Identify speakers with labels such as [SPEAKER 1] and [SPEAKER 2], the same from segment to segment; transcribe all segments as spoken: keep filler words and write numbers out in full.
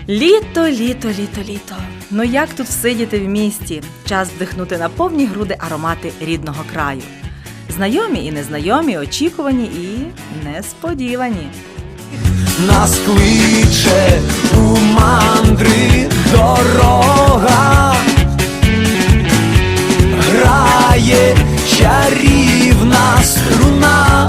[SPEAKER 1] Літо, літо, літо, літо. Ну як тут всидіти в місті? Час вдихнути на повні груди аромати рідного краю. Знайомі і незнайомі, очікувані і несподівані.
[SPEAKER 2] Нас кличе у мандри дорога, грає чарівна струна.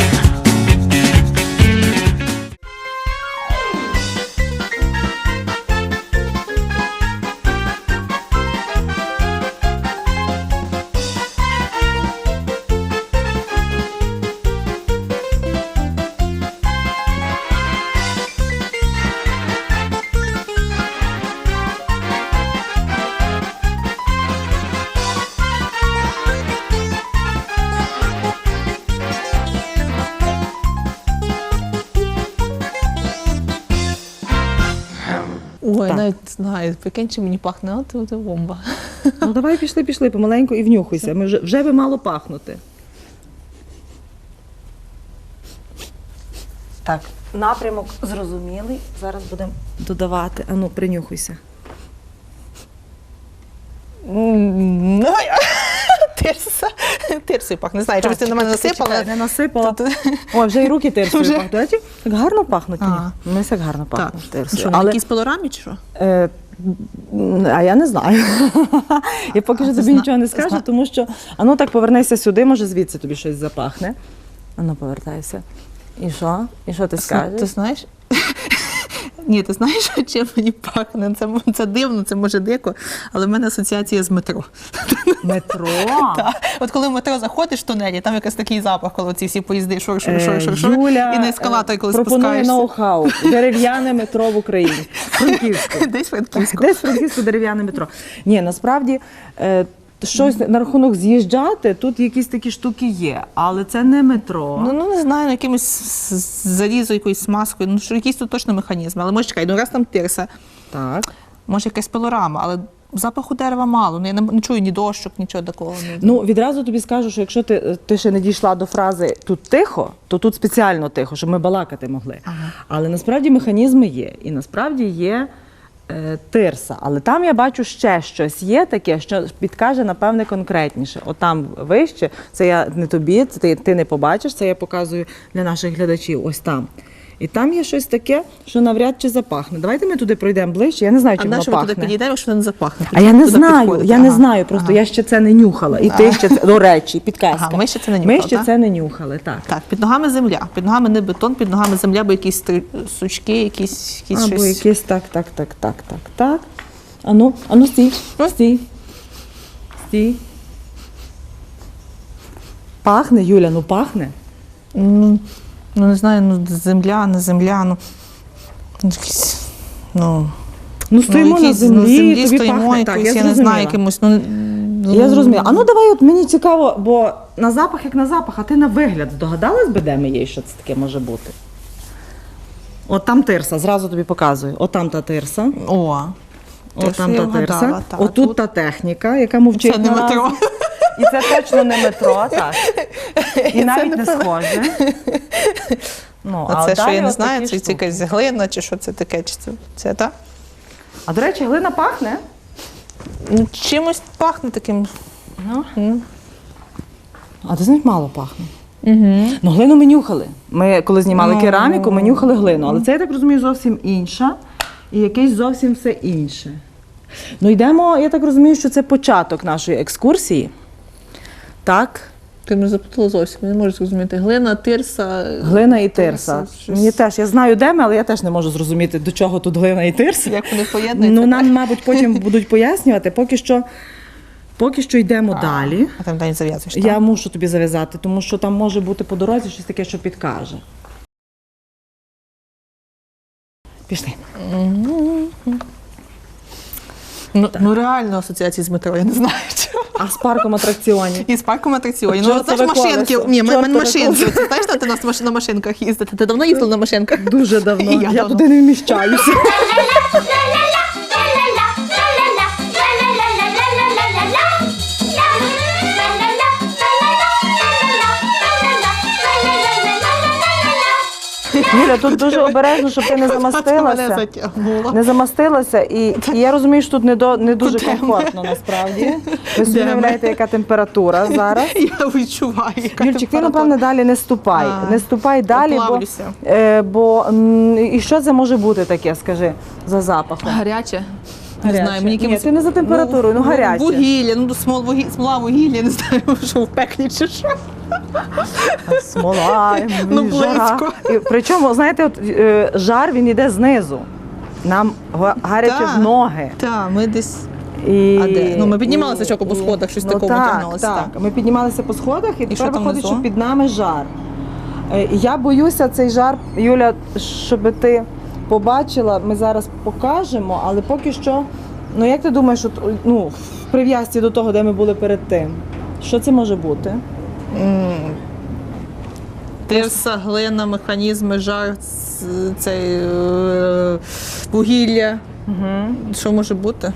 [SPEAKER 3] Ой,
[SPEAKER 1] Так.
[SPEAKER 3] навіть не знаю, прикинь, чи мені пахне, от це бомба.
[SPEAKER 1] Ну давай пішли, пішли, помаленьку і внюхуйся. Ми вже, вже би мало пахнути. Так, напрямок зрозумілий. Зараз будемо додавати. Ану, принюхуйся.
[SPEAKER 3] Ну, тирса. Тирсою пахне. Не знаю, чомусь ти на мене насипала.
[SPEAKER 1] Не насипала.
[SPEAKER 3] Тут-
[SPEAKER 1] Ой, вже і руки тирсою
[SPEAKER 3] Вже.
[SPEAKER 1] пахнуть. Бачиш, так гарно пахнуть. ні?
[SPEAKER 3] Ага.
[SPEAKER 1] Ми так гарно
[SPEAKER 3] Так.
[SPEAKER 1] пахнуть тирсою.
[SPEAKER 3] Що, на
[SPEAKER 1] Але,
[SPEAKER 3] якійсь пилорамі чи що?
[SPEAKER 1] е, а я не знаю. Я поки
[SPEAKER 3] А,
[SPEAKER 1] що
[SPEAKER 3] ти
[SPEAKER 1] тобі
[SPEAKER 3] зна-
[SPEAKER 1] нічого не
[SPEAKER 3] ти
[SPEAKER 1] скажу,
[SPEAKER 3] зна-
[SPEAKER 1] тому що, ану так повернися сюди, може звідси тобі щось запахне. Ану, повертайся. І що? І що ти скажеш?
[SPEAKER 3] Ти знаєш? Ні, ти знаєш, чим мені пахне? Це, це дивно, це може дико, але в мене асоціація з метро.
[SPEAKER 1] Метро?
[SPEAKER 3] Так. От коли в метро заходиш в тунелі, там якийсь такий запах, коли ці всі поїзди шур, шур,
[SPEAKER 1] Е,
[SPEAKER 3] шур, шур, шур,
[SPEAKER 1] Юля
[SPEAKER 3] і на ескалаторі, коли
[SPEAKER 1] е, пропонує
[SPEAKER 3] спускаєшся.
[SPEAKER 1] ноу-хау. Дерев'яне метро в Україні. Франківську.
[SPEAKER 3] Десь Франківську.
[SPEAKER 1] Десь Франківську дерев'яне метро. Ні, насправді, е, щось на рахунок з'їжджати, тут якісь такі штуки є, але це не метро.
[SPEAKER 3] Ну, ну не знаю, ну, якимось з- залізо, якоюсь смазкою, ну що якісь тут точно механізми. Але може чекай, ну раз там тирса,
[SPEAKER 1] Так.
[SPEAKER 3] може якась пилорама, але запаху дерева мало. Ну я не, не чую ні дощок, нічого такого. Ну,
[SPEAKER 1] Ну, відразу тобі скажу, що якщо ти, ти ще не дійшла до фрази «тут тихо», то тут спеціально тихо, щоб ми балакати могли.
[SPEAKER 3] Ага.
[SPEAKER 1] Але насправді механізми є. І насправді є е, тирса. Але там я бачу ще щось є таке, що підкаже, напевне, конкретніше. От там вище, це я не тобі, це ти, ти не побачиш, це я показую для наших глядачів. Ось там. І там є щось таке, що навряд чи запахне. Давайте ми туди пройдемо ближче. Я не знаю,
[SPEAKER 3] а
[SPEAKER 1] чи воно
[SPEAKER 3] нащо ми
[SPEAKER 1] пахне.
[SPEAKER 3] туди підійдемо, якщо не запахне?
[SPEAKER 1] А я не
[SPEAKER 3] Туди
[SPEAKER 1] знаю,
[SPEAKER 3] підходити.
[SPEAKER 1] я не
[SPEAKER 3] Ага.
[SPEAKER 1] знаю, просто
[SPEAKER 3] Ага.
[SPEAKER 1] я ще це не нюхала. І ти ще це, до речі, підказка.
[SPEAKER 3] Ага, ми ще це не
[SPEAKER 1] Ми
[SPEAKER 3] нюхали,
[SPEAKER 1] ще
[SPEAKER 3] так?
[SPEAKER 1] це не нюхали, так.
[SPEAKER 3] Так, під ногами земля. Під ногами не бетон, під ногами земля, бо якісь три- сучки, якісь, якісь
[SPEAKER 1] Або
[SPEAKER 3] щось.
[SPEAKER 1] якесь так, так, так, так, так, так. Ану, ану, стій, стій, стій. Пахне, Юля, ну пахне.
[SPEAKER 3] Ну, ну не знаю, ну земля, не земля, ну ну, якісь, ну,
[SPEAKER 1] Ну стоїмо
[SPEAKER 3] ну,
[SPEAKER 1] на
[SPEAKER 3] якісь,
[SPEAKER 1] землі,
[SPEAKER 3] ну, землі
[SPEAKER 1] тобі
[SPEAKER 3] стоїмо,
[SPEAKER 1] пахне.
[SPEAKER 3] якось,
[SPEAKER 1] Так,
[SPEAKER 3] я,
[SPEAKER 1] я
[SPEAKER 3] не знаю,
[SPEAKER 1] зрозуміла.
[SPEAKER 3] якимось, ну, ну,
[SPEAKER 1] Я зрозуміла. А ну давай, от мені цікаво, бо на запах як на запах, а ти на вигляд здогадалась би, де ми є, і що це таке може бути? От там тирса, зразу тобі показую. От там та тирса.
[SPEAKER 3] О,
[SPEAKER 1] От там
[SPEAKER 3] я
[SPEAKER 1] та
[SPEAKER 3] вгадала,
[SPEAKER 1] тирса.
[SPEAKER 3] та,
[SPEAKER 1] Отут
[SPEAKER 3] тут
[SPEAKER 1] та техніка, яка мовчить
[SPEAKER 3] це не
[SPEAKER 1] наразі.
[SPEAKER 3] метро.
[SPEAKER 1] І це точно не метро, так. І навіть не схоже. Ну,
[SPEAKER 3] А це що,
[SPEAKER 1] далі
[SPEAKER 3] я не
[SPEAKER 1] от
[SPEAKER 3] знаю,
[SPEAKER 1] такі
[SPEAKER 3] це, це
[SPEAKER 1] штуки.
[SPEAKER 3] якась глина, чи що це таке, чи це, це так?
[SPEAKER 1] А до речі, глина пахне.
[SPEAKER 3] Ну, чимось пахне таким.
[SPEAKER 1] Ну.
[SPEAKER 3] Ну.
[SPEAKER 1] А ти знаєш, мало пахне. Угу. Ну, глину ми нюхали. Ми, коли знімали
[SPEAKER 3] Ну.
[SPEAKER 1] кераміку, ми нюхали глину. Але це, я так розумію, зовсім інша. І якесь зовсім все інше. Ну, йдемо, я так розумію, що це початок нашої екскурсії. Так?
[SPEAKER 3] Ти мене запитала зовсім, я не можу зрозуміти. Глина, тирса.
[SPEAKER 1] Глина і тирса.
[SPEAKER 3] щось-
[SPEAKER 1] Мені теж, я знаю, де ми, але я теж не можу зрозуміти, до чого тут глина і тирса.
[SPEAKER 3] Як вони поєднуються.
[SPEAKER 1] Ну, нам, мабуть, потім будуть пояснювати. Поки що, поки що йдемо далі.
[SPEAKER 3] А там далі зав'язуєш, так?
[SPEAKER 1] Я мушу тобі зав'язати, тому що там може бути по дорозі щось таке, що підкаже. Пішли.
[SPEAKER 3] Ну, ну реально асоціації з метро, я не знаю чого.
[SPEAKER 1] А з парком атракціонів?
[SPEAKER 3] І з парком атракціонів.
[SPEAKER 1] От
[SPEAKER 3] Ну,
[SPEAKER 1] чортове
[SPEAKER 3] знаєш, машинки.
[SPEAKER 1] колесо,
[SPEAKER 3] Ні, ми, ми
[SPEAKER 1] чортове
[SPEAKER 3] машинки.
[SPEAKER 1] колесо.
[SPEAKER 3] Це, знаєш, ти на, маш- на машинках їздити? Ти давно їздила на машинках?
[SPEAKER 1] Дуже давно.
[SPEAKER 3] І
[SPEAKER 1] Я,
[SPEAKER 3] я давно.
[SPEAKER 1] туди не вміщаюся. Юля, тут дуже обережно, щоб ти не
[SPEAKER 3] Мене
[SPEAKER 1] замастилася.
[SPEAKER 3] затягнуло.
[SPEAKER 1] Не замастилася, і, і я розумію, що тут не, до, не дуже
[SPEAKER 3] Куди ми?
[SPEAKER 1] комфортно насправді. Ви собі
[SPEAKER 3] Де
[SPEAKER 1] не
[SPEAKER 3] ми?
[SPEAKER 1] уявляєте, яка температура зараз.
[SPEAKER 3] Я відчуваю, яка
[SPEAKER 1] Юльчик, ти,
[SPEAKER 3] температура.
[SPEAKER 1] напевне, далі не ступай.
[SPEAKER 3] А,
[SPEAKER 1] не ступай далі, бо,
[SPEAKER 3] поплавлюся.
[SPEAKER 1] е, бо м, і що це може бути таке, скажи, за запахом?
[SPEAKER 3] Гаряче. Не
[SPEAKER 1] Гаряче.
[SPEAKER 3] знаю, мені
[SPEAKER 1] Ні,
[SPEAKER 3] якимось...
[SPEAKER 1] ти не за температурою, ну, гаряче.
[SPEAKER 3] Вугілля, ну смол, вугі... смола вугілля, не знаю, що в пеклі чи що.
[SPEAKER 1] Смола,
[SPEAKER 3] Ну,
[SPEAKER 1] жара.
[SPEAKER 3] близько.
[SPEAKER 1] І, причому, знаєте, от, е, жар він йде знизу. Нам га- гаряче
[SPEAKER 3] Так.
[SPEAKER 1] в ноги.
[SPEAKER 3] Так, ми десь...
[SPEAKER 1] І,
[SPEAKER 3] А де? Ну, ми піднімалися
[SPEAKER 1] і-
[SPEAKER 3] чоко по
[SPEAKER 1] і-
[SPEAKER 3] сходах, щось
[SPEAKER 1] ну,
[SPEAKER 3] такого
[SPEAKER 1] так,
[SPEAKER 3] тягнулося,
[SPEAKER 1] Так,
[SPEAKER 3] так.
[SPEAKER 1] ми піднімалися по сходах, і,
[SPEAKER 3] що
[SPEAKER 1] тепер
[SPEAKER 3] там
[SPEAKER 1] виходить,
[SPEAKER 3] внизу?
[SPEAKER 1] що під нами жар. Е, Я боюся цей жар, Юля, щоб ти побачила, ми зараз покажемо, але поки що, ну як ти думаєш, от, ну, в прив'язці до того, де ми були перед тим, що це може бути?
[SPEAKER 3] Тирса, глина, механізми, жар, ц- цей е, вугілля.
[SPEAKER 1] Угу.
[SPEAKER 3] Що може бути?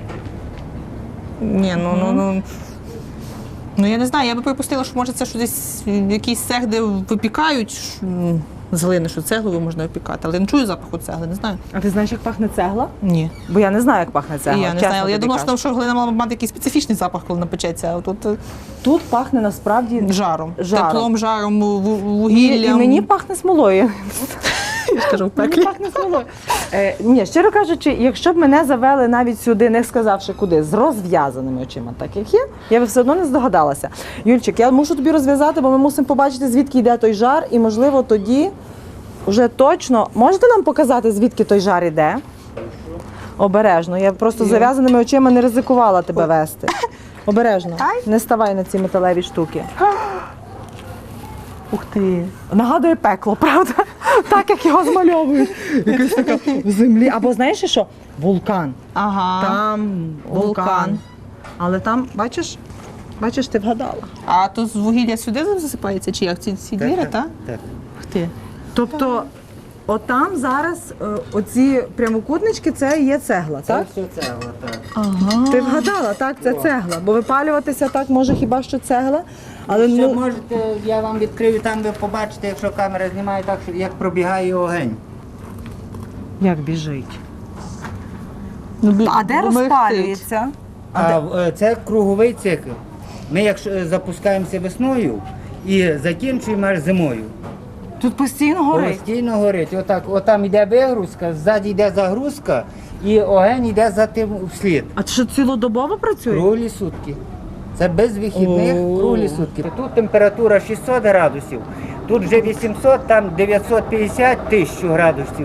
[SPEAKER 3] Ні, ну, ну, ну. Ну я не знаю, я би припустила, що може це що десь якийсь цех, де випікають ш- м, з глини, що цеглою можна випікати. Але я не чую запаху цегли, не знаю.
[SPEAKER 1] А ти знаєш, як пахне цегла?
[SPEAKER 3] Ні.
[SPEAKER 1] Бо я не знаю, як пахне цегла.
[SPEAKER 3] І я не
[SPEAKER 1] чесно
[SPEAKER 3] знаю, але я
[SPEAKER 1] тобі
[SPEAKER 3] думала, що,
[SPEAKER 1] кажу.
[SPEAKER 3] там, що глина мала б мати якийсь специфічний запах, коли напечеться, а тут е,
[SPEAKER 1] Тут пахне насправді
[SPEAKER 3] жаром.
[SPEAKER 1] Жаром.
[SPEAKER 3] Теплом, жаром, ву-
[SPEAKER 1] І,
[SPEAKER 3] вугіллям.
[SPEAKER 1] і мені пахне смолою.
[SPEAKER 3] я ж кажу, в
[SPEAKER 1] Мені
[SPEAKER 3] пеклі.
[SPEAKER 1] пахне смолою. Е, ні, щиро кажучи, якщо б мене завели навіть сюди, не сказавши куди, з розв'язаними очима, так як є, я б все одно не здогадалася. Юльчик, я мушу тобі розв'язати, бо ми мусимо побачити, звідки йде той жар, і, можливо, тоді вже точно. Можете нам показати, звідки той жар іде? Обережно. Я просто з зав'язаними очима не ризикувала тебе вести. Обережно. Не ставай на ці металеві штуки. Ух ти. Нагадує пекло, правда? Так, як його змальовують. Якась така в землі. Або знаєш що? Вулкан.
[SPEAKER 3] Ага.
[SPEAKER 1] Там вулкан.
[SPEAKER 3] Вулкан.
[SPEAKER 1] Але там, бачиш, бачиш, ти вгадала.
[SPEAKER 3] А то з вугілля сюди засипається, чи як? Ці, ці двері, так?
[SPEAKER 4] Так.
[SPEAKER 3] Ух ти.
[SPEAKER 1] Тобто, отам зараз е, оці прямокутнички, це є цегла,
[SPEAKER 4] Це
[SPEAKER 1] так?
[SPEAKER 4] все цегла, так.
[SPEAKER 3] Ага.
[SPEAKER 1] Ти вгадала, так, це цегла. Бо випалюватися так може хіба що цегла. Але
[SPEAKER 4] Ще
[SPEAKER 1] ну,
[SPEAKER 4] можете, я вам відкрию, там ви побачите, якщо камера знімає, так, що як пробігає огонь.
[SPEAKER 1] як біжить.
[SPEAKER 3] Ну, бі-
[SPEAKER 1] А де
[SPEAKER 3] мерехтить.
[SPEAKER 1] розпалюється?
[SPEAKER 4] А е, це круговий цикл. Ми якщо е, запускаємося весною і закінчуємо аж зимою.
[SPEAKER 1] Тут постійно горить.
[SPEAKER 4] Постійно горить. Отак, отам йде вигрузка, ззаді йде загрузка і огонь йде за тим вслід.
[SPEAKER 1] А це що цілодобово працює?
[SPEAKER 4] Круглі сутки. Це без вихідних,
[SPEAKER 1] О.
[SPEAKER 4] круглі сутки. Тут температура шістсот градусів, тут вже вісімсот, там дев'ятсот п'ятдесят тисяч градусів.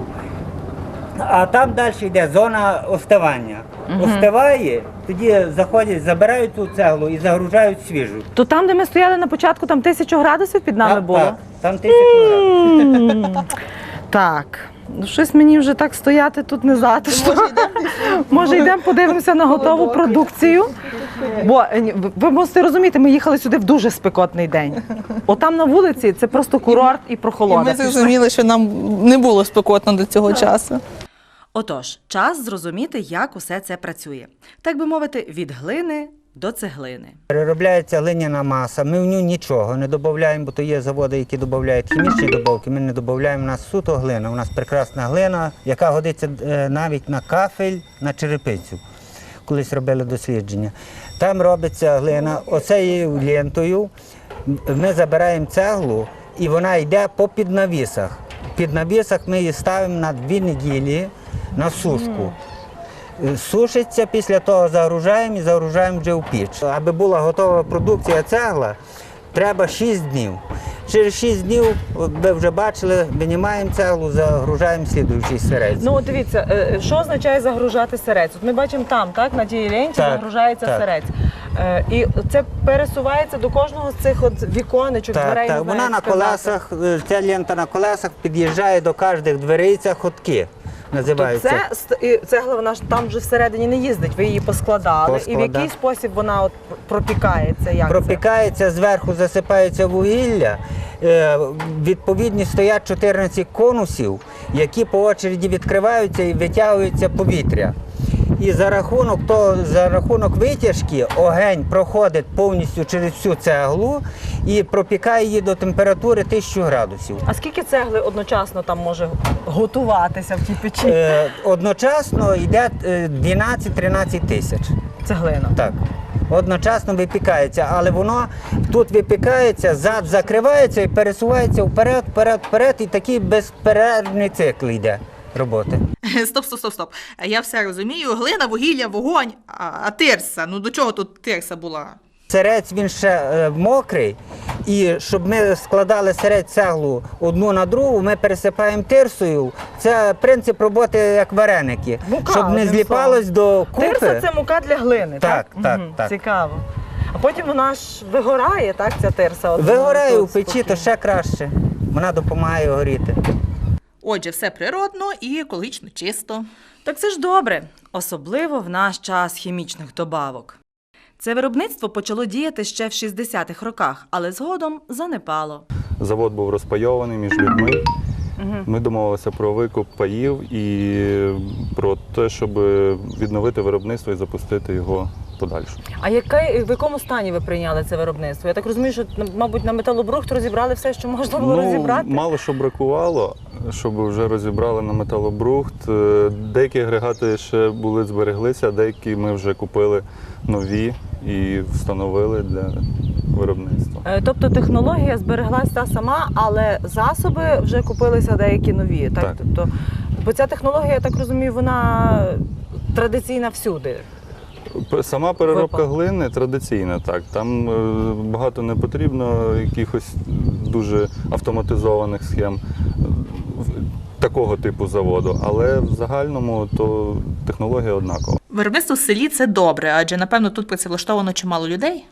[SPEAKER 4] А там далі йде зона остивання. Остиває, тоді заходять, забирають ту цеглу і загружають свіжу.
[SPEAKER 1] То там, де ми стояли на початку, там тисячу градусів під нами
[SPEAKER 4] Так,
[SPEAKER 1] було?
[SPEAKER 4] так, там тисячу градусів.
[SPEAKER 1] Так. Ну, щось мені вже так стояти тут не затишно. Може, йдемо подивимося на готову продукцію. Бо е, ні, ви- ви мусите розуміти, ми їхали сюди в дуже спекотний день. Отам на вулиці це просто курорт і
[SPEAKER 3] І
[SPEAKER 1] прохолода.
[SPEAKER 3] ми зрозуміли, що нам не було спекотно до цього часу.
[SPEAKER 5] Отож, час зрозуміти, як усе це працює. Так би мовити, від глини до цеглини.
[SPEAKER 4] Переробляється глиняна маса, ми в ню нічого не додаємо, бо то є заводи, які додають хімічні добавки, ми не додаємо, у нас суто глина, у нас прекрасна глина, яка годиться е, навіть на кафель, на черепицю. Колись робили дослідження. Там робиться глина оцею лентою, ми забираємо цеглу і вона йде по піднавісах. Під навісах ми її ставимо на дві неділі на сушку. Сушиться, після того загружаємо і загружаємо вже в піч. Аби була готова продукція цегла, треба шість днів. Через шість днів, от ви вже бачили, винімаємо цеглу, загружаємо слідуючий сирець.
[SPEAKER 1] Ну, от дивіться, е, що означає загружати сирець? От ми бачимо там, так, на тій ленті
[SPEAKER 4] Так,
[SPEAKER 1] загружається
[SPEAKER 4] так.
[SPEAKER 1] сирець. Е, І це пересувається до кожного з цих от віконечок,
[SPEAKER 4] Так,
[SPEAKER 1] дверей. не
[SPEAKER 4] так.
[SPEAKER 1] знаю,
[SPEAKER 4] Вона на
[SPEAKER 1] як сказати.
[SPEAKER 4] колесах, е, ця лента на колесах під'їжджає до кожних дверей, це ходки
[SPEAKER 1] То
[SPEAKER 4] називаються.
[SPEAKER 1] це ст- і цегла, вона ж там вже всередині не їздить, ви її поскладали. І в
[SPEAKER 4] Поскладав.
[SPEAKER 1] який спосіб вона от пропікається? Як
[SPEAKER 4] Пропікається, зверху засипається вугілля. Е, Відповідні стоять чотирнадцять конусів, які по очереді відкриваються і витягується повітря. І за рахунок того, за рахунок витяжки огонь проходить повністю через всю цеглу і пропікає її до температури тисячу градусів.
[SPEAKER 1] А скільки цегли одночасно там може готуватися в тій печі?
[SPEAKER 4] Е, одночасно йде е, дванадцять-тринадцять тисяч.
[SPEAKER 1] Цеглина.
[SPEAKER 4] Так. Одночасно випікається, але воно тут випікається, зад закривається і пересувається вперед, вперед, вперед, і такий безперервний цикл йде роботи.
[SPEAKER 3] Стоп, стоп, стоп, стоп. Я все розумію. Глина, вугілля, вогонь, а, а тирса. Ну до чого тут тирса була?
[SPEAKER 4] Сирець він ще е, мокрий, і щоб ми складали сирець цеглу одну на другу, ми пересипаємо тирсою. Це принцип роботи як вареники,
[SPEAKER 1] Мука,
[SPEAKER 4] щоб не
[SPEAKER 1] одним
[SPEAKER 4] зліпалось до купи.
[SPEAKER 1] Тирса – це мука для глини, так?
[SPEAKER 4] Так, так,
[SPEAKER 1] Мгм,
[SPEAKER 4] так.
[SPEAKER 1] Цікаво. А потім вона ж вигорає, так, ця тирса? От
[SPEAKER 4] Вигорає
[SPEAKER 1] вона
[SPEAKER 4] у печі,
[SPEAKER 1] спокійно.
[SPEAKER 4] то ще краще. Вона допомагає горіти.
[SPEAKER 3] Отже, все природно і екологічно чисто.
[SPEAKER 5] Так це ж добре, особливо в наш час хімічних добавок. Це виробництво почало діяти ще в шістдесятих роках, але згодом занепало.
[SPEAKER 6] Завод був розпайований між людьми. Ми домовилися про викуп паїв і про те, щоб відновити виробництво і запустити його подальше.
[SPEAKER 1] А яке, в якому стані ви прийняли це виробництво? Я так розумію, що, мабуть, на металобрухт розібрали все, що можна було розібрати?
[SPEAKER 6] Мало що бракувало, щоб вже розібрали на металобрухт. Е, Деякі агрегати ще були збереглися, а деякі ми вже купили нові і встановили для виробництва.
[SPEAKER 1] Е, Тобто технологія збереглася та сама, але засоби вже купилися деякі нові. Так?
[SPEAKER 6] Так.
[SPEAKER 1] Тобто, бо ця технологія, я так розумію, вона традиційна всюди.
[SPEAKER 6] П- Сама переробка
[SPEAKER 1] Випал.
[SPEAKER 6] глини традиційна, так. Там е, багато не потрібно якихось дуже автоматизованих схем е, в- такого типу заводу, але в загальному то технологія однакова.
[SPEAKER 3] Виробництво в селі – це добре, адже, напевно, тут працевлаштовано чимало людей.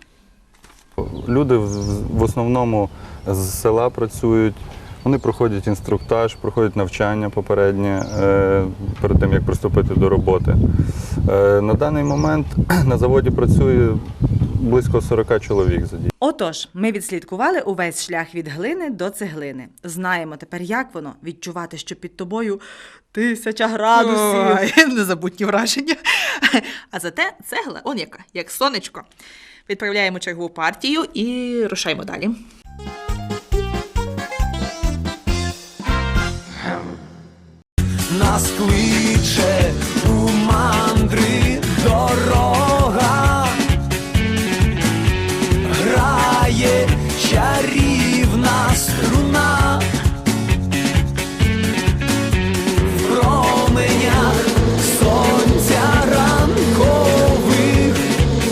[SPEAKER 6] Люди в, в основному з села працюють, вони проходять інструктаж, проходять навчання попереднє е, перед тим, як приступити до роботи. Е, на даний момент на заводі працює близько сорок чоловік задіяно.
[SPEAKER 5] Отож, ми відслідкували увесь шлях від глини до цеглини. Знаємо тепер, як воно відчувати, що під тобою тисяча градусів.
[SPEAKER 3] Ой, незабутні враження. А зате цегла, он яка, як сонечко. Відправляємо чергову партію і рушаємо далі.
[SPEAKER 2] Нас кличе у мандри дорога, грає чарівна струна, в променях сонця ранкових,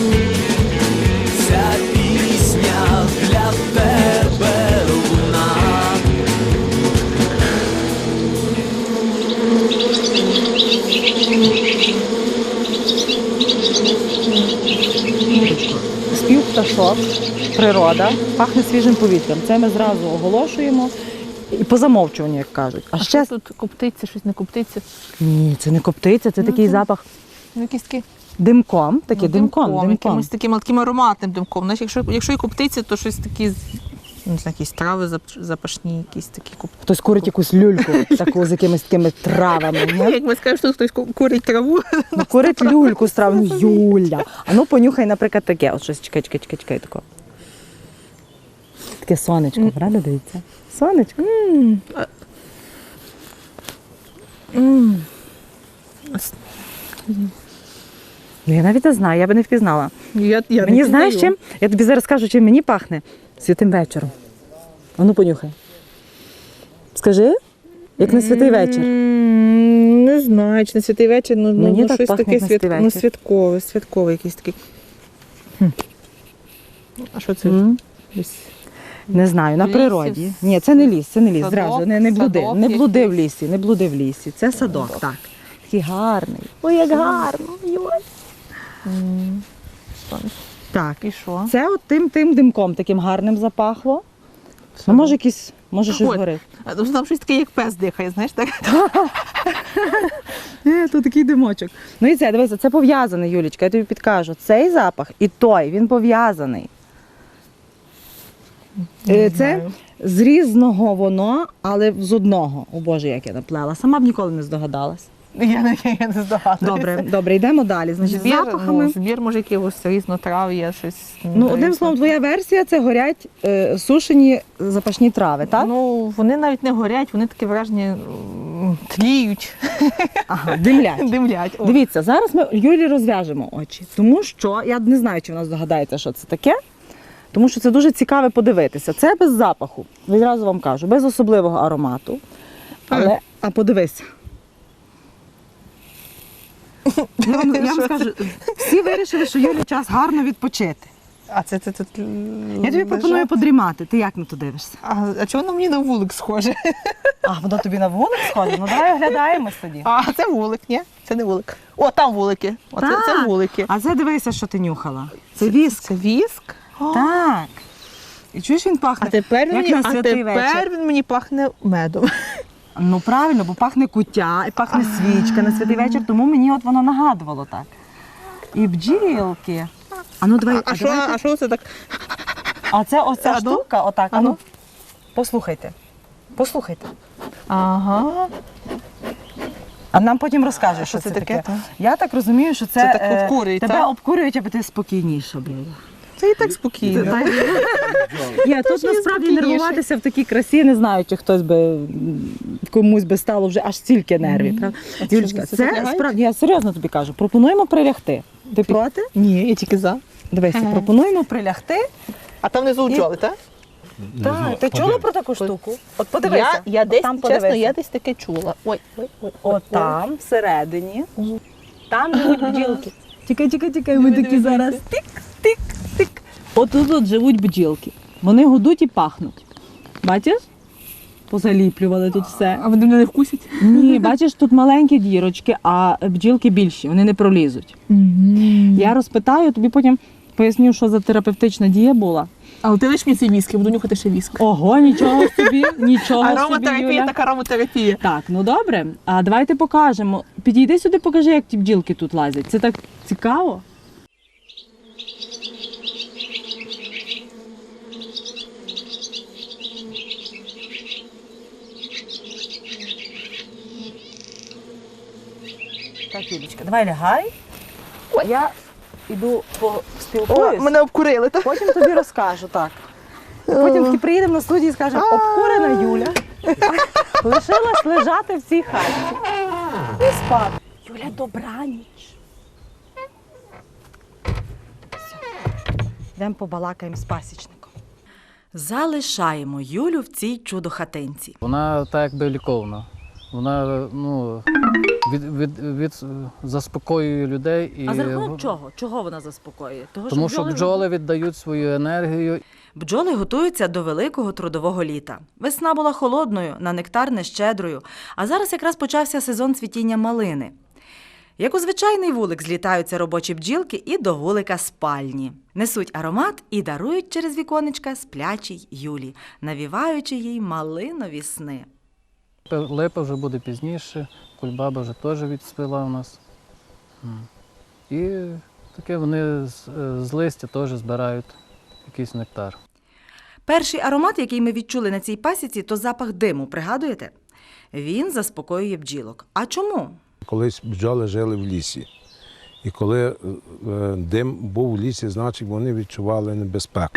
[SPEAKER 2] ця пісня для тебе луна.
[SPEAKER 1] Спів пташок, природа, пахне свіжим повітрям. Це ми зразу оголошуємо і по замовчуванню, як кажуть. А, ще
[SPEAKER 3] тут коптиться, щось не коптиться.
[SPEAKER 1] ні, це не коптиця, це такий запах
[SPEAKER 3] Ну, якісь такі
[SPEAKER 1] димком, такий
[SPEAKER 3] ну,
[SPEAKER 1] димком, димком.
[SPEAKER 3] якимось таким, таким ароматним димком. Знаєш, якщо, якщо і коптиться, то щось такі, не знаю, якісь трави зап- запашні, якісь такі коп...
[SPEAKER 1] Хтось курить якусь люльку, таку з якимись такими травами. Ні?
[SPEAKER 3] Як ми скажемо, що хтось ку- курить траву.
[SPEAKER 1] Ну, курить люльку з трав, ну Юля. А ну понюхай, наприклад, таке. От щось, чекай, чекай, чекай, чекай, тако. Таке сонечко, правда, дивіться? Сонечко. М. М. Ну, я навіть не знаю, я би не впізнала.
[SPEAKER 3] Я, я
[SPEAKER 1] Мені знаєш чим? Я тобі зараз скажу, чим мені пахне. Святим вечором. А ну понюхай. Скажи, як на святий вечір.
[SPEAKER 3] Не знаю, чи на святий вечір, ну, ну,
[SPEAKER 1] Мені
[SPEAKER 3] ну
[SPEAKER 1] так
[SPEAKER 3] щось
[SPEAKER 1] пахне,
[SPEAKER 3] таке
[SPEAKER 1] як на
[SPEAKER 3] свят...
[SPEAKER 1] святий
[SPEAKER 3] ну,
[SPEAKER 1] вечір.
[SPEAKER 3] святкове, святкове якийсь такий. А що це?
[SPEAKER 1] М.
[SPEAKER 3] Десь
[SPEAKER 1] Не знаю, на
[SPEAKER 3] В лісі?
[SPEAKER 1] природі. Ні, це не ліс, це не ліс.
[SPEAKER 3] Садок?
[SPEAKER 1] Зразу не, не блуди.
[SPEAKER 3] Садок
[SPEAKER 1] Не блуди в
[SPEAKER 3] якийсь?
[SPEAKER 1] лісі, не блуди в лісі. Це садок, так. Такий гарний. Ой, як гарно. Йой. Так.
[SPEAKER 3] І що?
[SPEAKER 1] Це от тим тим димком таким гарним запахло. Ну, може, якийсь, може, щось
[SPEAKER 3] Ой.
[SPEAKER 1] горить.
[SPEAKER 3] А там там щось таке, як пес дихає, знаєш, так?
[SPEAKER 1] Е, то такий димочок. Ну і це, дивися, це пов'язаний, Юлічка, я тобі підкажу. Цей запах і той, він пов'язаний. Е, Це
[SPEAKER 3] знаю.
[SPEAKER 1] з різного воно, але з одного. О Боже, як я наплела. Сама б ніколи не здогадалась.
[SPEAKER 3] Я не, я не здогадуюся.
[SPEAKER 1] Добре, добре, йдемо далі. Значить,
[SPEAKER 3] Збір,
[SPEAKER 1] запахами.
[SPEAKER 3] ну, збір може якогось різнотрав'я, щось.
[SPEAKER 1] Ну, одним словом, твоя версія це горять е, сушені запашні трави, так?
[SPEAKER 3] Ну, вони навіть не горять, вони таке враження м, тліють,
[SPEAKER 1] Ага, димлять.
[SPEAKER 3] димлять. О.
[SPEAKER 1] Дивіться, зараз ми Юлі розв'яжемо очі, тому що я не знаю, чи вона здогадається, що це таке, тому що це дуже цікаво подивитися. Це без запаху, відразу вам кажу, без особливого аромату. Але, а подивися. Я вам, я вам скажу, всі вирішили, що Юлі час гарно відпочити.
[SPEAKER 3] А це, це тут.
[SPEAKER 1] Я тобі пропоную подрімати. Ти як на то дивишся?
[SPEAKER 3] А, а чого воно мені на вулик схоже?
[SPEAKER 1] А, воно тобі на вулик сходить? Ну давай оглядаємось тоді.
[SPEAKER 3] А, це вулик, ні? Це не вулик. О, там вулики. О, це, це
[SPEAKER 1] Так.
[SPEAKER 3] вулики.
[SPEAKER 1] А це дивися, що ти нюхала. Це віск.
[SPEAKER 3] Це віск?
[SPEAKER 1] Так. І чуєш, він пахне,
[SPEAKER 3] А тепер,
[SPEAKER 1] як
[SPEAKER 3] мені,
[SPEAKER 1] на
[SPEAKER 3] а
[SPEAKER 1] святий
[SPEAKER 3] тепер
[SPEAKER 1] вечір.
[SPEAKER 3] він мені пахне медом.
[SPEAKER 1] Ну правильно, бо пахне куття, і пахне свічка на святий вечір, тому мені от воно нагадувало так. І бджілки. А ну давай,
[SPEAKER 3] А,
[SPEAKER 1] а,
[SPEAKER 3] що,
[SPEAKER 1] давайте-
[SPEAKER 3] а що це так?
[SPEAKER 1] а це ось ця
[SPEAKER 3] А ну?
[SPEAKER 1] штука, отак, а
[SPEAKER 3] А
[SPEAKER 1] ну.
[SPEAKER 3] ну?
[SPEAKER 1] Послухайте. Послухайте.
[SPEAKER 3] Ага.
[SPEAKER 1] А нам потім розкажеш, що,
[SPEAKER 3] що це
[SPEAKER 1] це
[SPEAKER 3] таке,
[SPEAKER 1] таке.
[SPEAKER 3] та?
[SPEAKER 1] Я так розумію, що це,
[SPEAKER 3] Це так
[SPEAKER 1] е,
[SPEAKER 3] обкурюють,
[SPEAKER 1] тебе
[SPEAKER 3] та?
[SPEAKER 1] обкурюють, аби ти спокійніше була.
[SPEAKER 3] Це і так спокійно.
[SPEAKER 1] Ні, тут насправді
[SPEAKER 3] спокійніше.
[SPEAKER 1] нервуватися в такій красі, не знаю, чи хтось би м, комусь би стало вже аж стільки нервів. правда?
[SPEAKER 3] що,
[SPEAKER 1] Юлічка,
[SPEAKER 3] це
[SPEAKER 1] це
[SPEAKER 3] підлягають?
[SPEAKER 1] справді, я серйозно тобі кажу, пропонуємо прилягти. Ти проти?
[SPEAKER 3] Ні, я тільки за.
[SPEAKER 1] Дивися,
[SPEAKER 3] Ага.
[SPEAKER 1] пропонуємо прилягти.
[SPEAKER 3] А там внизу бджоли, так?
[SPEAKER 1] Так, ти чула про таку штуку? От подивися.
[SPEAKER 3] Я, я десь,
[SPEAKER 1] там
[SPEAKER 3] чесно,
[SPEAKER 1] подивися.
[SPEAKER 3] я десь таке чула. Ой, ой, ой.
[SPEAKER 1] От там, всередині, там живуть бджілки. Тікай, тікай, тікай, ми такі зараз тик, тик, тик. От тут от живуть бджілки. Вони гудуть і пахнуть. Бачиш? Позаліплювали тут все.
[SPEAKER 3] А вони мене не вкусять?
[SPEAKER 1] Ні, бачиш, тут маленькі дірочки, а бджілки більші, вони не пролізуть. Я розпитаю, тобі потім поясню, що за терапевтична дія була.
[SPEAKER 3] Але ти лиш мені цей віск, я буду нюхати ще віск.
[SPEAKER 1] Ого, нічого собі, нічого собі,
[SPEAKER 3] Ароматерапія,
[SPEAKER 1] Юля.
[SPEAKER 3] так ароматерапія.
[SPEAKER 1] Так, ну добре. А давайте покажемо. Підійди сюди, покажи, як ті бджілки тут лазять. Це так цікаво. Так, Юлічка, давай лягай. Я йду
[SPEAKER 3] О,
[SPEAKER 1] поспілкуюсь.
[SPEAKER 3] мене обкурили, так?
[SPEAKER 1] Потім тобі розкажу, так. І потім таки приїдемо на студію і скажемо, обкурена Юля лишилась лежати в цій хаті. І спати. Юля, добраніч. Все. Йдемо побалакаємо з пасічником.
[SPEAKER 5] Залишаємо Юлю в цій чудо-хатинці.
[SPEAKER 7] Вона так якби ліковна. Вона ну, від, від, від, заспокоює людей. І,
[SPEAKER 5] А за рахунок чого? Чого вона заспокоює? Того,
[SPEAKER 7] Тому що
[SPEAKER 5] бджоли
[SPEAKER 7] бджоли віддають свою енергію.
[SPEAKER 5] Бджоли готуються до великого трудового літа. Весна була холодною, на нектар нещедрою, а зараз якраз почався сезон цвітіння малини. Як у звичайний вулик злітаються робочі бджілки і до вулика спальні. Несуть аромат і дарують через віконечка сплячій Юлі, навіваючи їй малинові сни.
[SPEAKER 7] Липа вже буде пізніше, кульбаба вже теж відцвіла у нас. М. І таке вони з, з листя теж збирають якийсь нектар.
[SPEAKER 5] Перший аромат, який ми відчули на цій пасіці, то запах диму, пригадуєте? Він заспокоює бджілок. А чому?
[SPEAKER 8] Колись бджоли жили в лісі. І коли е, дим був в лісі, значить вони відчували небезпеку.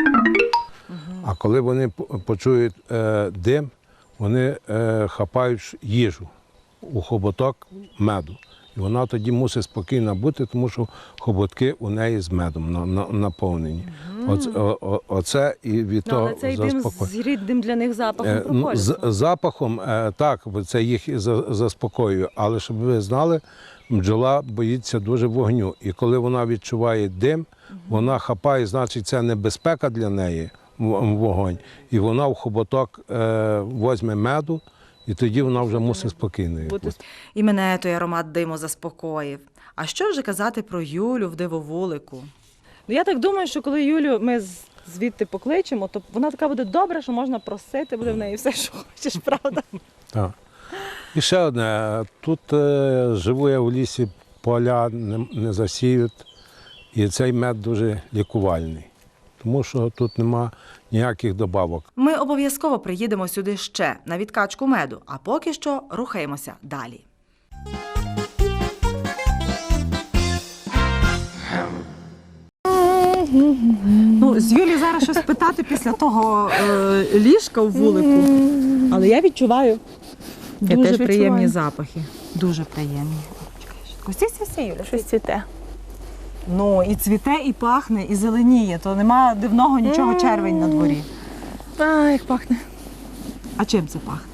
[SPEAKER 8] А коли вони по- почують е, дим, вони е, хапають їжу у хоботок меду. І вона тоді мусить спокійно бути, тому що хоботки у неї з медом на, на, наповнені. Оце, о, о, оце і від
[SPEAKER 1] Ну,
[SPEAKER 8] того
[SPEAKER 1] але цей дим
[SPEAKER 8] заспокоює.
[SPEAKER 1] з рідним для них запахом
[SPEAKER 8] Е, ну,
[SPEAKER 1] проходить.
[SPEAKER 8] з запахом, е, так, бо це їх і за- заспокоює. Але щоб ви знали, бджола боїться дуже вогню. І коли вона відчуває дим, вона хапає, значить, це небезпека для неї, в- вогонь. І вона в хоботок е, возьме меду, і тоді вона вже мусить спокійною бути.
[SPEAKER 5] І мене той аромат диму заспокоїв. А що вже казати про Юлю в дивовулику?
[SPEAKER 1] Ну, я так думаю, що коли Юлю ми з- звідти покличемо, то вона така буде добра, що можна просити, буде в неї все, що хочеш, правда?
[SPEAKER 8] Так. І ще одне. Тут е, живу я в лісі, поля не, не засіють, і цей мед дуже лікувальний, тому що тут нема ніяких добавок.
[SPEAKER 5] Ми обов'язково приїдемо сюди ще на відкачку меду, а поки що рухаємося далі.
[SPEAKER 1] Ну, з Юлі зараз щось питати після того е, ліжка в вулику. Але я відчуваю
[SPEAKER 3] Я
[SPEAKER 1] дуже
[SPEAKER 3] теж
[SPEAKER 1] приємні
[SPEAKER 3] відчуваю.
[SPEAKER 1] запахи. Дуже приємні. Ось ці всі, Юля.
[SPEAKER 3] Щось цвіте.
[SPEAKER 1] Ну, і цвіте, і пахне, і зеленіє. То нема дивного нічого, червень на дворі.
[SPEAKER 3] А, як пахне.
[SPEAKER 1] А чим це пахне?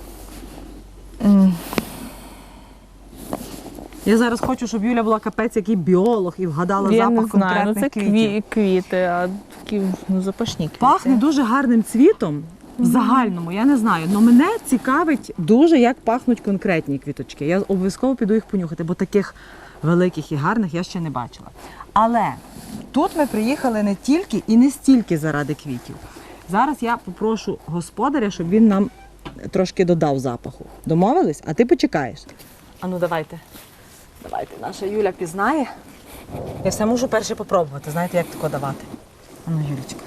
[SPEAKER 1] Я зараз хочу, щоб Юля була капець, який біолог, і вгадала
[SPEAKER 3] Я
[SPEAKER 1] запах
[SPEAKER 3] не знаю, ну
[SPEAKER 1] конкретних
[SPEAKER 3] це
[SPEAKER 1] квітів.
[SPEAKER 3] кві- квіти, а такі ну, запашні квіти.
[SPEAKER 1] Пахне дуже гарним цвітом в загальному, я не знаю. Але мене цікавить дуже, як пахнуть конкретні квіточки. Я обов'язково піду їх понюхати, бо таких великих і гарних я ще не бачила. Але тут ми приїхали не тільки і не стільки заради квітів. Зараз я попрошу господаря, щоб він нам трошки додав запаху. Домовились? А ти почекаєш. А ну давайте. Давайте, наша Юля пізнає. Я все можу перше попробувати. Знаєте, як тако давати? А ну, Юлічка.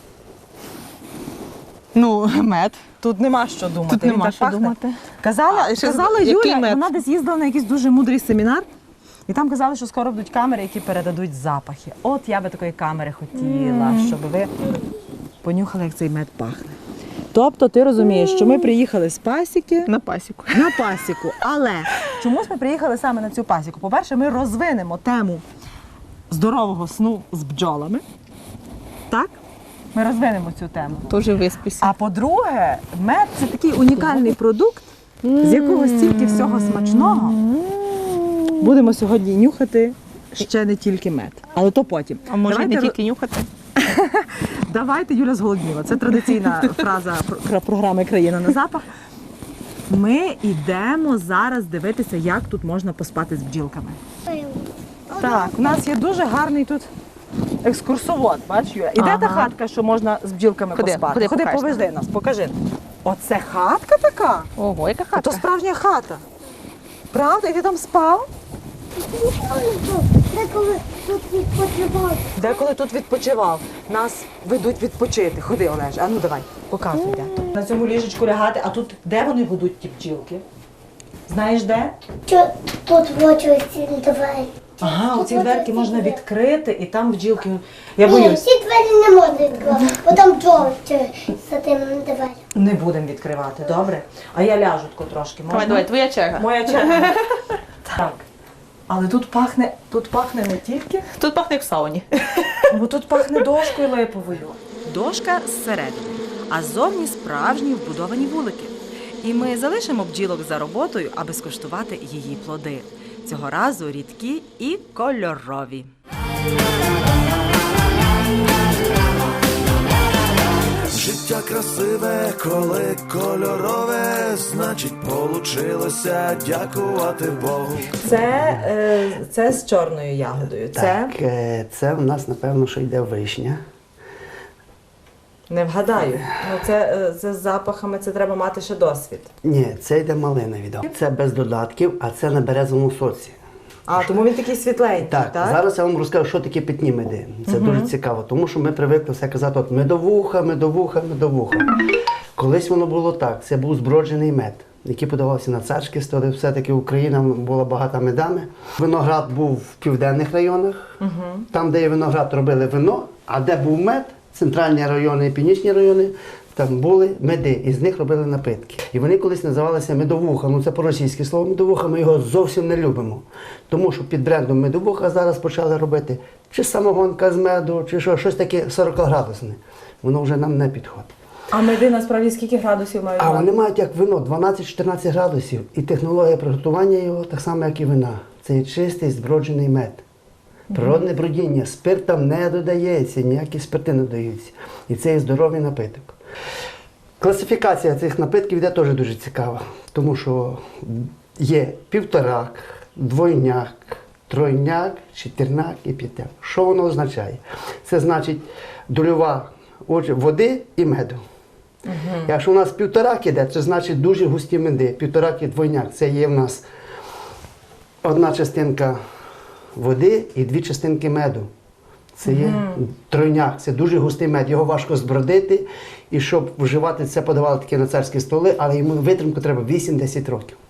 [SPEAKER 3] Ну, мед.
[SPEAKER 1] Тут нема що думати.
[SPEAKER 3] Тут
[SPEAKER 1] Він
[SPEAKER 3] нема
[SPEAKER 1] так
[SPEAKER 3] що
[SPEAKER 1] пахне.
[SPEAKER 3] думати.
[SPEAKER 1] Казала,
[SPEAKER 3] А, ще
[SPEAKER 1] казала
[SPEAKER 3] який
[SPEAKER 1] Юля,
[SPEAKER 3] мед?
[SPEAKER 1] вона десь їздила на якийсь дуже мудрий семінар, і там казали, що скоро будуть камери, які передадуть запахи. От я би такої камери хотіла, щоб ви понюхали, як цей мед пахне. Тобто ти розумієш, що ми приїхали з пасіки
[SPEAKER 3] На пасіку.
[SPEAKER 1] на пасіку. Але чомусь ми приїхали саме на цю пасіку. По-перше, ми розвинемо тему здорового сну з бджолами. Так? Ми розвинемо цю тему.
[SPEAKER 3] Теж виспися.
[SPEAKER 1] А по-друге, мед це такий унікальний продукт, з якого стільки всього смачного. Будемо сьогодні нюхати ще не тільки мед. Але то потім.
[SPEAKER 3] А може
[SPEAKER 1] Давайте
[SPEAKER 3] не
[SPEAKER 1] ро-
[SPEAKER 3] тільки нюхати?
[SPEAKER 1] Давайте, Юля зголодніла. Це традиційна фраза про- програми «Країна на запах». Ми йдемо зараз дивитися, як тут можна поспати з бджілками. Так, у нас є дуже гарний тут екскурсовод, бач, Юля. І де та
[SPEAKER 3] Ага.
[SPEAKER 1] хатка, що можна з бджілками
[SPEAKER 3] Ходи,
[SPEAKER 1] поспати?
[SPEAKER 3] ходи,
[SPEAKER 1] Ходи,
[SPEAKER 3] покажеш
[SPEAKER 1] повезди нас, покажи. Оце хатка така?
[SPEAKER 3] Ого, яка
[SPEAKER 1] А
[SPEAKER 3] хата.
[SPEAKER 1] то справжня хата. Правда? І ти там спав?
[SPEAKER 9] Деколи тут відпочивав.
[SPEAKER 1] Деколи тут відпочивав. Нас ведуть відпочити. Ходи, Олеж, а ну давай, показуй, де. На цьому ліжечку лягати, а тут де вони годуть ті бджілки? Знаєш де?
[SPEAKER 9] Що тут в очі ці двері?
[SPEAKER 1] Ага, оці дверки можна відкрити, і там бджілки. Я
[SPEAKER 9] Ні,
[SPEAKER 1] боюсь,
[SPEAKER 9] всі двері не можна відкривати, бо там бджоли за тим дверем.
[SPEAKER 1] не будемо відкривати, добре? А я ляжу тако трошки. Можна?
[SPEAKER 3] Давай, давай, твоя черга.
[SPEAKER 1] Моя черга. Так. Але тут пахне, тут пахне не тільки,
[SPEAKER 3] Тут пахне як в сауні.
[SPEAKER 1] бо тут пахне дошкою липовою.
[SPEAKER 5] Дошка зсередини, а ззовні справжні вбудовані вулики. І ми залишимо бджілок за роботою, аби скуштувати її плоди. Цього разу рідкі і кольорові.
[SPEAKER 2] Життя красиве, коли кольорове, значить, получилося дякувати Богу.
[SPEAKER 1] Це, е, це з чорною ягодою. Це
[SPEAKER 10] Так, е, це в нас, напевно, що йде вишня.
[SPEAKER 1] не вгадаю. Ну це, е, це з запахами, це треба мати ще досвід.
[SPEAKER 10] Ні, це йде малина відомо. Це без додатків, а це на березовому соці.
[SPEAKER 1] А тому він такий світленький,
[SPEAKER 10] Так,
[SPEAKER 1] так?
[SPEAKER 10] зараз я вам розкажу, що таке питні меди. Це дуже цікаво, тому що ми привикли все казати, от медовуха, медовуха, медовуха. Колись воно було так, це був зброджений мед, який подавався на царські столи. Все-таки Україна була багата медами. Виноград був в південних районах, там, де є виноград, робили вино, а де був мед, центральні райони і північні райони, там були меди, і з них робили напитки. І вони колись називалися медовуха. Ну це по-російськи слово медовуха, ми його зовсім не любимо. Тому що під брендом медовуха зараз почали робити чи самогонка з меду, чи що, щось таке сорокаградусне. Воно вже нам не підходить.
[SPEAKER 1] А меди насправді скільки градусів мають?
[SPEAKER 10] А
[SPEAKER 1] мати?
[SPEAKER 10] вони мають як вино дванадцять-чотирнадцять градусів. І технологія приготування його так само, як і вина. Це є чистий зброджений мед. Природне бродіння, спирт там не додається, ніякі спирти не додаються. І це є здоровий напиток. Класифікація цих напитків йде теж дуже цікава, тому що є півторак, двойняк, тройняк, чотирняк і п'ятняк. Що воно означає? Це значить дольова отже, води і меду. Угу. Якщо у нас півторак іде, це значить дуже густі меди. Півторак і двойняк. Це є в нас одна частинка води і дві частинки меду. Це є угу. тройняк, це дуже густий мед, його важко збродити. І щоб вживати це, подавали такі на царські столи, але йому витримку треба вісім-десять років.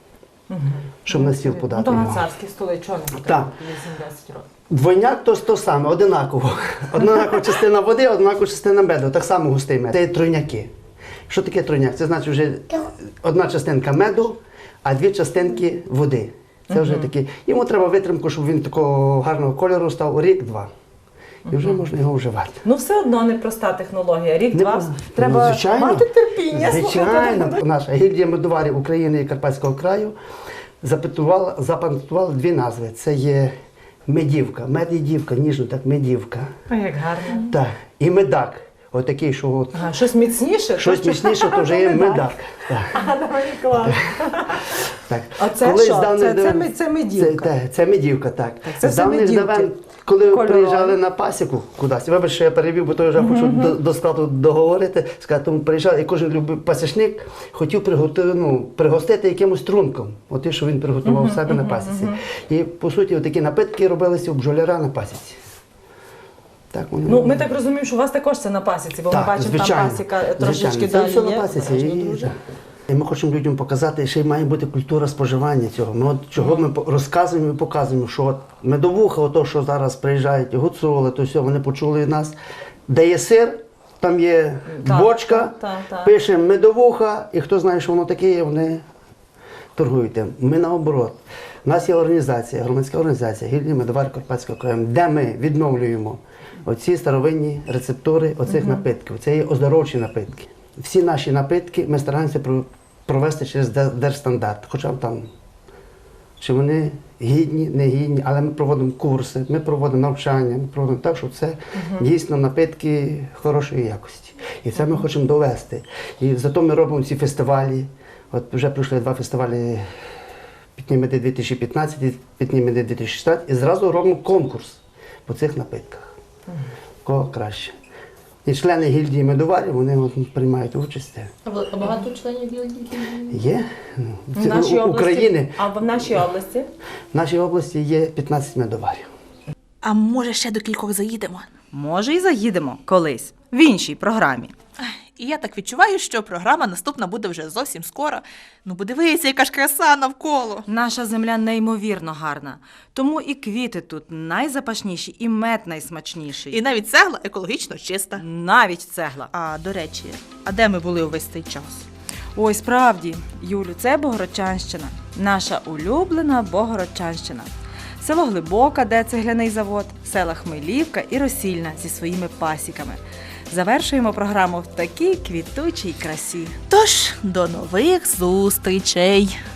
[SPEAKER 10] щоб на стіл
[SPEAKER 1] Ну,
[SPEAKER 10] подати
[SPEAKER 1] то на
[SPEAKER 10] його.
[SPEAKER 1] царські столи, чого не
[SPEAKER 10] Так.
[SPEAKER 1] вісім-десять років?
[SPEAKER 10] Двойняк то то саме, одинаково. Однакова частина води, однакова частина меду, так само густий мед. Це тройняки. Що таке тройняк? Це значить вже одна частинка меду, а дві частинки води. Це вже такі. Йому треба витримку, щоб він такого гарного кольору став рік-два. І вже можна його вживати.
[SPEAKER 1] Ну, все одно непроста технологія. Рік-два
[SPEAKER 10] Не-
[SPEAKER 1] треба
[SPEAKER 10] ну, звичайно.
[SPEAKER 1] мати терпіння.
[SPEAKER 10] Звичайно. Наша гільдія медоварів України і Карпатського краю запатентувала, запатентувала дві назви. Це є медівка, мед і дівка, ніжно так, медівка.
[SPEAKER 1] Ой, як гарно.
[SPEAKER 10] Так. І медак. Отакий, що от,
[SPEAKER 1] Ага, щось міцніше?
[SPEAKER 10] щось
[SPEAKER 1] то,
[SPEAKER 10] міцніше, то вже є медак. Так.
[SPEAKER 1] А, давай, клас.
[SPEAKER 10] Так.
[SPEAKER 1] А це
[SPEAKER 10] Колись
[SPEAKER 1] що?
[SPEAKER 10] з давних
[SPEAKER 1] Це- це
[SPEAKER 10] давен-
[SPEAKER 1] ми- це медівка?
[SPEAKER 10] Це, це медівка, так.
[SPEAKER 1] це
[SPEAKER 10] з
[SPEAKER 1] все
[SPEAKER 10] давних
[SPEAKER 1] медівки.
[SPEAKER 10] давен, коли
[SPEAKER 1] Кольорові.
[SPEAKER 10] приїжджали на пасіку кудись, вибач, що я перевів, бо то я вже хочу до, до складу договорити, сказати, тому приїжджали, і кожен любив пасічник хотів приготувати, ну, пригостити якимось трунком, от те, що він приготував у себе на пасіці. І, по суті, такі напитки робилися у бджоляра на пасіці. Так, вони-
[SPEAKER 1] Ну, ми так розуміємо, що у вас також це на пасіці, бо ми
[SPEAKER 10] Так,
[SPEAKER 1] бачимо, там
[SPEAKER 10] звичайно.
[SPEAKER 1] пасіка трошечки
[SPEAKER 10] Звичайно. Це
[SPEAKER 1] далі
[SPEAKER 10] все
[SPEAKER 1] є.
[SPEAKER 10] на пасіці.
[SPEAKER 1] Обережно,
[SPEAKER 10] І,
[SPEAKER 1] друже.
[SPEAKER 10] і ми хочемо людям показати, що й має бути культура споживання цього. Ми от чого ми по- розказуємо і показуємо, що от медовуха, ото, що зараз приїжджають, гуцули, то все, вони почули від нас, де є сир, там є
[SPEAKER 1] Так,
[SPEAKER 10] бочка,
[SPEAKER 1] так, так, так.
[SPEAKER 10] пише медовуха, і хто знає, що воно таке є, вони торгують тим. Ми наоборот. У нас є організація, громадська організація Гільдія медоварів Карпатського краю, де ми відновлюємо оці старовинні рецептури оцих напитків. Це є оздоровчі напитки. Всі наші напитки ми стараємося про- провести через де- держстандарт. Хоча б там, чи вони гідні, не гідні, але ми проводимо курси, ми проводимо навчання, ми проводимо так, щоб це дійсно напитки хорошої якості. І це ми хочемо довести. І зато ми робимо ці фестивалі. От вже пройшли два фестивалі Пітні меди дві тисячі п'ятнадцять і Пітні меди дві тисячі шістнадцять, і зразу робимо конкурс по цих напитках. Кого краще. І члени гільдії медоварів, вони от приймають участь.
[SPEAKER 3] А багато членів гільдії?
[SPEAKER 10] Є. Ну,
[SPEAKER 1] В
[SPEAKER 10] це
[SPEAKER 1] нашій
[SPEAKER 10] у-
[SPEAKER 1] області-
[SPEAKER 10] України.
[SPEAKER 1] А в нашій області?
[SPEAKER 10] В нашій області є п'ятнадцять медоварів.
[SPEAKER 3] А може ще до кількох заїдемо?
[SPEAKER 5] Може, і заїдемо колись в іншій програмі.
[SPEAKER 3] І я так відчуваю, що програма наступна буде вже зовсім скоро. Ну, подивися, яка ж краса навколо.
[SPEAKER 5] Наша земля неймовірно гарна, тому і квіти тут найзапашніші, і мед найсмачніший.
[SPEAKER 3] І навіть цегла екологічно чиста.
[SPEAKER 5] навіть цегла.
[SPEAKER 3] А, до речі, а де ми були увесь цей час?
[SPEAKER 5] Ой, справді, Юлю, це Богородчанщина, наша улюблена Богородчанщина. Село Глибока, де цегляний завод, села Хмелівка і Росільна зі своїми пасіками. Завершуємо програму в такій квітучій красі.
[SPEAKER 3] Тож, до нових зустрічей!